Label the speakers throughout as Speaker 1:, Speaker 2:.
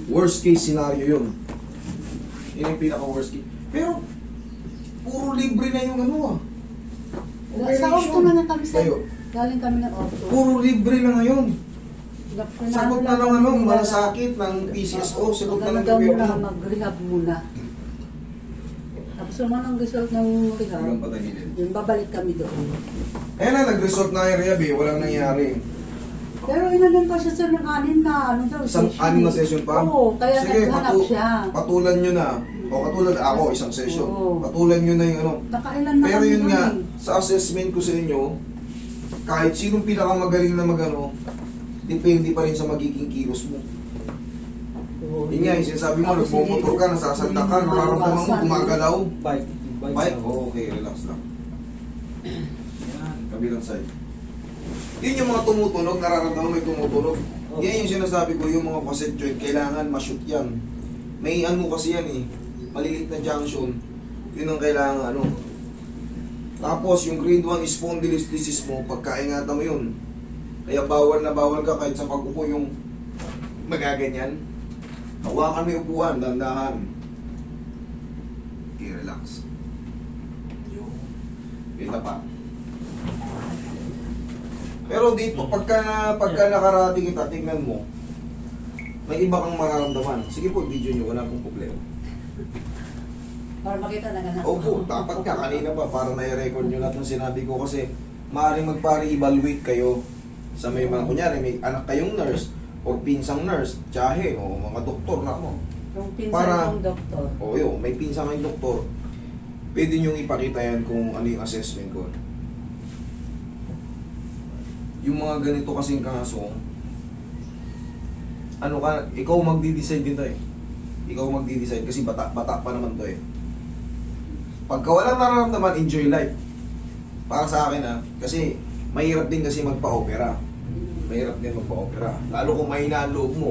Speaker 1: Worst case scenario yun. Yun yung pinaka-worst case. Pero, puro libre na yung ano ah.
Speaker 2: Sa auto na kami sa...
Speaker 1: Kayo.
Speaker 2: Galing kami ng auto.
Speaker 1: Puro libre na ngayon. Sagot na ng ano,
Speaker 2: nila-
Speaker 1: malasakit ng PCSO, sagot na ng
Speaker 2: Maganda muna,
Speaker 1: gobyerno.
Speaker 2: mag-rehab muna. Tapos naman ang result ng rehab,
Speaker 1: Hanggang patagilid.
Speaker 2: yun, babalik kami doon.
Speaker 1: Ayan na, nag-resort na yung rehab eh, walang nangyari.
Speaker 2: Pero inanin pa siya sir ng anin na, ano daw,
Speaker 1: Isang anim na session pa?
Speaker 2: Oo, kaya
Speaker 1: Sige,
Speaker 2: naghanap siya.
Speaker 1: patulan nyo na. O katulad ako, isang session.
Speaker 2: Oo.
Speaker 1: Patulan nyo na yung ano.
Speaker 2: Nakailan na
Speaker 1: Pero
Speaker 2: kami
Speaker 1: yun
Speaker 2: doon
Speaker 1: nga,
Speaker 2: eh.
Speaker 1: sa assessment ko sa inyo, kahit sinong pinakamagaling na magano, depende pa rin sa magiging kilos mo.
Speaker 2: Oo.
Speaker 1: Yun nga, yung sinasabi mo,
Speaker 2: Tapos
Speaker 1: nagmumotor ka, nasasalta ka,
Speaker 2: hindi
Speaker 1: nararamdaman mo,
Speaker 2: mabawasan.
Speaker 1: gumagalaw.
Speaker 3: Bike.
Speaker 1: Mike, okay, relax lang. Yan, kabilang side. Yun yung mga tumutunog, nararamdaman mo may tumutunog. Yan yung sinasabi ko, yung mga facet joint, kailangan ma-shoot yan. May ano kasi yan eh, malilit na junction, yun ang kailangan ano. Tapos yung grade 1 spondylolisthesis mo, pagkaingatan mo yun. Kaya bawal na bawal ka kahit sa pag-upo yung magaganyan. Hawakan mo yung upuan, dandahan. Okay, relax. Kita pa. Pero dito, pagka nakarating kita, tingnan mo, may iba kang mararamdaman. Sige po, video nyo, wala pong problema.
Speaker 2: Para makita na ganun.
Speaker 1: Opo, dapat nga, kanina pa, para na-record nyo lahat ng sinabi ko kasi maaaring magpare-evaluate kayo sa may mga, kunyari, may anak kayong nurse, o pinsang nurse, tiyahe, o mga doktor na mo.
Speaker 2: Yung pinsan
Speaker 1: Para-
Speaker 2: kong doktor.
Speaker 1: O yun, may pinsang kayong doktor, pwede nyo ipakita yan kung ano yung assessment ko. Yung mga ganito kasing kaso, ano ka, ikaw magdi-decide dito eh. Ikaw magdi-decide kasi bata pa naman to eh. Pagka walang nararamdaman, enjoy life. Para sa akin kasi mahirap din kasi magpa-opera. Mahirap din magpa-opera. Lalo kung mahina ang loob mo.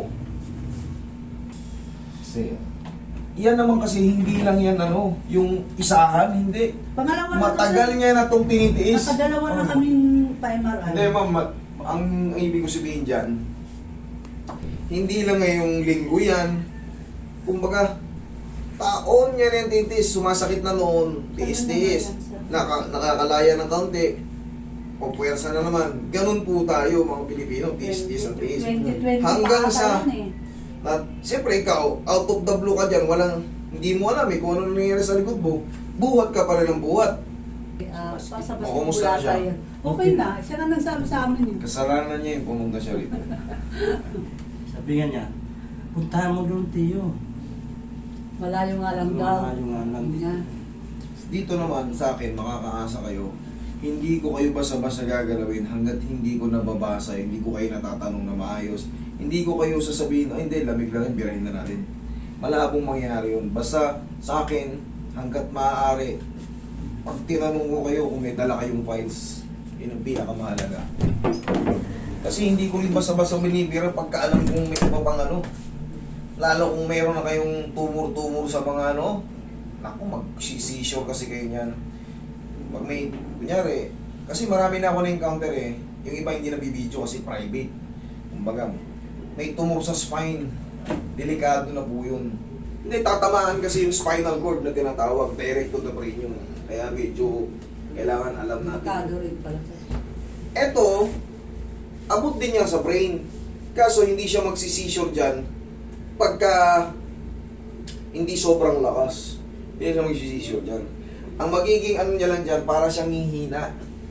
Speaker 1: Kasi, yan naman kasi hindi lang yan ano, yung isahan, hindi.
Speaker 2: Pangalawa na
Speaker 1: Matagal niya na itong tinitiis.
Speaker 2: Nakadalawa na kaming pa-MRI.
Speaker 1: Hindi ma'am, ang ibig ko sabihin dyan, hindi lang ngayong linggo yan. Kumbaga, taon niya rin titis, sumasakit na noon, tiis-tiis, nakakalaya ng kaunti, o puwersa na naman. Ganun po tayo mga Pilipino, tiis-tiis ang tiis.
Speaker 2: 2020
Speaker 1: Hanggang
Speaker 2: pa
Speaker 1: sa,
Speaker 2: ata yun eh.
Speaker 1: na, siyempre ikaw, out of the blue ka dyan, walang, hindi mo alam kung ano nangyayari sa likod mo, buhat ka pa rin ng buhat.
Speaker 2: Pasabas
Speaker 1: O, kumusta na siya?
Speaker 2: Okay na, siya na nagsabi sa amin yun.
Speaker 1: Kasalanan niya yung pumunta siya rito.
Speaker 3: Sabi nga niya, puntahan mo doon, Tiyo.
Speaker 2: Malayo nga lang daw.
Speaker 3: Malayo nga lang.
Speaker 2: Nga.
Speaker 1: Dito naman sa akin, makakaasa kayo, hindi ko kayo basta-basta gagalawin hanggat hindi ko nababasa, hindi ko kayo natatanong na maayos, hindi ko kayo sasabihin, ay hindi, lamig lang yun, birahin na natin. Malabong mangyari yun. Basta sa akin, hanggat maaari, pag tinanong ko kayo kung may dala kayong files, yun ang pinakamahalaga. Kasi hindi ko rin basta-basta binibira pagka alam kong may iba pang ano. Lalo kung mayroon na kayong tumor-tumor sa mga ano, naku, mag-seizure kasi kayo niyan. Pag may, kunyari, kasi marami na ako na-encounter eh, yung iba hindi nabibidyo kasi private. Kumbaga, may tumor sa spine, delikado na po yun. Hindi, tatamaan kasi yung spinal cord na tinatawag, direct to the brain yun. Kaya medyo kailangan alam
Speaker 2: Makado
Speaker 1: natin.
Speaker 2: rin pala.
Speaker 1: Eto, abot din niya sa brain. Kaso hindi siya magsi-seizure dyan pagka hindi sobrang lakas. Hindi siya magsi-seizure dyan. Ang magiging ano niya lang dyan, para siyang hihina.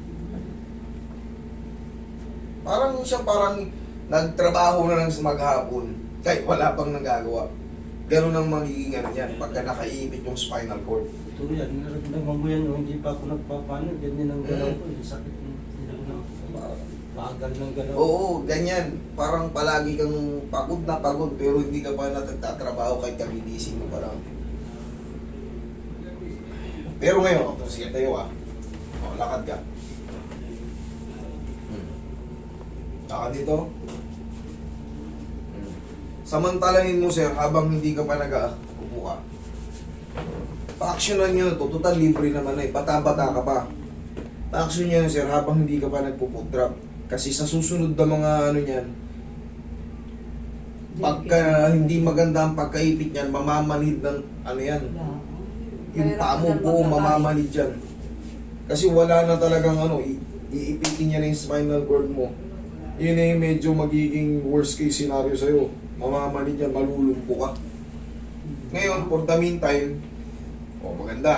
Speaker 1: Parang nagtrabaho na lang sa maghapon kahit wala pang nagagawa. Ganun ang magiging ano yan pagka nakaipit yung spinal cord.
Speaker 3: Ito yan, nararamdaman mo yan, no? Hindi pa ako nagpapano, ganyan ang galaw ko. Sakit ng bagal ng galaw.
Speaker 1: Oo, ganyan. Parang palagi kang pagod na pagod pero hindi ka pa nagtatrabaho kahit kagigising mo pa lang. Pero ngayon, sige tayo lakad ka. Lakad dito. Samantalahin mo sir, habang hindi ka pa upo ka. Pa-actionan nyo na to, total libre naman na eh, bata-bata ka pa. Pa-action nyo na sir, habang hindi ka pa nagpo-foot drop. Kasi sa susunod na mga ano niyan, Pagka hindi maganda ang pagkaipit niyan, mamamanhid ng ano yan. Yung paa mo po, mamamanhid yan. Kasi wala na talagang ano, iipitin niya na yung spinal cord mo. Yun ay medyo magiging worst case scenario sa'yo. Mamamanhid yan, malulumpo ka. Ngayon, for the meantime, maganda.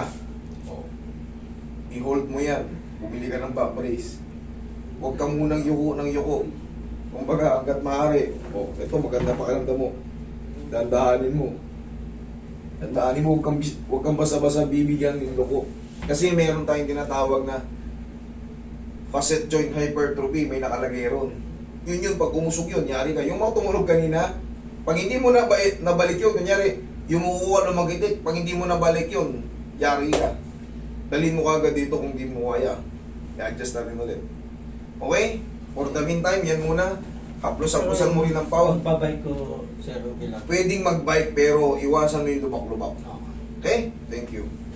Speaker 1: I-hold mo yan. Bumili ka ng back brace. Huwag ka munang yuko ng yuko. Kumbaga, hanggat maaari, ito maganda pakiramdam mo. Dandahanin mo. Dandahanin mo, huwag kang basa-basa bibigyan ng loko. Kasi meron tayong tinatawag na facet joint hypertrophy, may nakalagay ron. Yun, pag umusog yun, yari ka. Yung mga tumunog kanina, pag hindi mo nabalik yun, kunyari, yung mukuha ng magitik, pag hindi mo nabalik yun, yari ka. Dalhin mo kagad dito kung hindi mo kaya. I-adjust natin ulit. Okay? For the meantime, yan muna. Haplos-haplosan mo rin ang pound.
Speaker 3: Pagpabike ko, sir, okay lang.
Speaker 1: Pwedeng mag-bike pero iwasan mo yung lubak-lubak. Okay? Thank you.